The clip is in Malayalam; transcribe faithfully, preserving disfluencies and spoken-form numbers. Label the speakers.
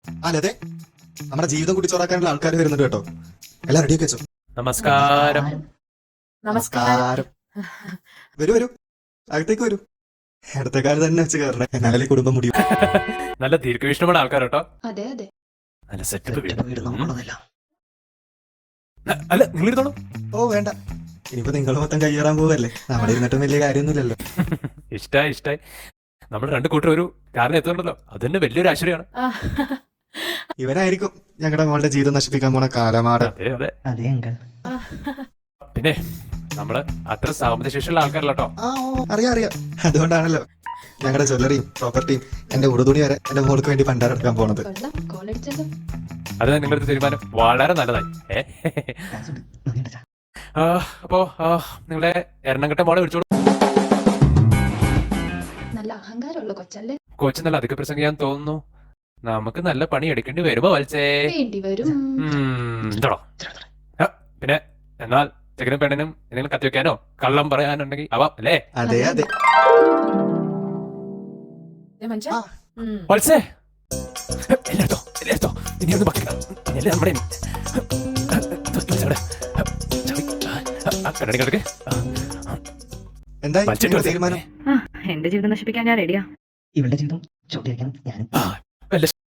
Speaker 1: അല്ലേ നമ്മുടെ ജീവിതം കുടിച്ചോറാക്കാനുള്ള ആൾക്കാർ വരുന്നുണ്ട് കേട്ടോ. എല്ലാം റെഡിയൊക്കെ വെച്ചോ.
Speaker 2: നമസ്കാരം.
Speaker 1: നമസ്കാരം. വരൂ വരൂ, അകത്തേക്ക് വരൂ. ഇടത്തേക്കാര് തന്നെ വെച്ച് കയറണേ, എന്നാലേ കുടുംബം മുടിയും.
Speaker 2: നല്ല ദീർഘവീക്ഷണമുള്ള ആൾക്കാർ കേട്ടോ.
Speaker 3: അതെ അതെ.
Speaker 2: നല്ല സെറ്റപ്പ്
Speaker 1: വീട് നോക്കണമെന്നില്ല.
Speaker 2: അല്ല നിങ്ങൾ ഇരുന്നോളൂ.
Speaker 1: ഓ വേണ്ട, ഇനിയിപ്പോ നിങ്ങൾ മൊത്തം കയ്യേറാൻ പോവല്ലേ, നമ്മുടെ ഇരുന്നിട്ടും വലിയ കാര്യമൊന്നുമില്ലല്ലോ.
Speaker 2: ഇഷ്ടായി ഇഷ്ടായി. നമ്മൾ രണ്ടു കൂട്ടർ ഒരു കാരണം എത്തുന്നുണ്ടല്ലോ, അത് തന്നെ വലിയൊരു ആശ്ചര്യമാണ്.
Speaker 1: ഇവനായിരിക്കും ഞങ്ങളുടെ മോളുടെ ജീവിതം നശിപ്പിക്കാൻ പോണ കാലമാട്.
Speaker 2: അതെ അതെ.
Speaker 4: അതെ അങ്കിൾ.
Speaker 2: പിന്നെ നമ്മള് അത്ര സാമ്പത്തിക ശേഷിയുള്ള ആൾക്കാരല്ല കേട്ടോ.
Speaker 1: ആ ഓ അറിയാം അറിയാം. അതുകൊണ്ടാണല്ലോ ഞങ്ങളുടെ ജ്വല്ലറിയും പ്രോപ്പർട്ടിയും എന്റെ ഉടുതുണി വരെ എന്റെ മോൾക്ക് വേണ്ടി പണ്ടാരെടുക്കാൻ പോണത്.
Speaker 3: കൊള്ളാം, കോളടിച്ചല്ലോ.
Speaker 2: അത് നിങ്ങളുടെ തീരുമാനം വളരെ നല്ലതായി. ഏ? ആ, അപ്പോ ആ, നിങ്ങളുടെ എറണാകുളത്തെ മോളെ വിളിച്ചോളൂ.
Speaker 3: നല്ല അഹങ്കാരമുള്ള കൊച്ചല്ലേ?
Speaker 2: കൊച്ചു നല്ല അധിക പ്രസംഗിക്കാൻ തോന്നുന്നു. നമുക്ക് നല്ല പണി എടുക്കേണ്ടി വരുമോ വത്സേ?
Speaker 3: വേണ്ടി വരും.
Speaker 2: ഉം, ഇതോടോ. ആ, പിന്നെ എന്നാൽ ചെക്കനും പെണ്ണിനും എന്തെങ്കിലും കത്തിവെക്കാനോ കള്ളം പറയാനുണ്ടെങ്കിൽ ആവാം അല്ലേ?
Speaker 1: അതെ അതെ.
Speaker 3: മനുഷ്യ
Speaker 1: ആ.
Speaker 2: വത്സേ എല്ലായിടത്തോ എല്ലായിടത്തോ ഇനി ഒന്നും ബാക്കില്ല. എല്ലാം നമ്മുടെ കണ്ണടിക്കൊക്കെ
Speaker 1: എന്തായി നിങ്ങളുടെ തീരുമാനം?
Speaker 5: എന്റെ ജീവിതം നശിപ്പിക്കാൻ ഞാൻ റെഡിയാ.
Speaker 4: ഇവളുടെ ജീവിതം ചോദ്യം ഞാൻ
Speaker 2: വല്ല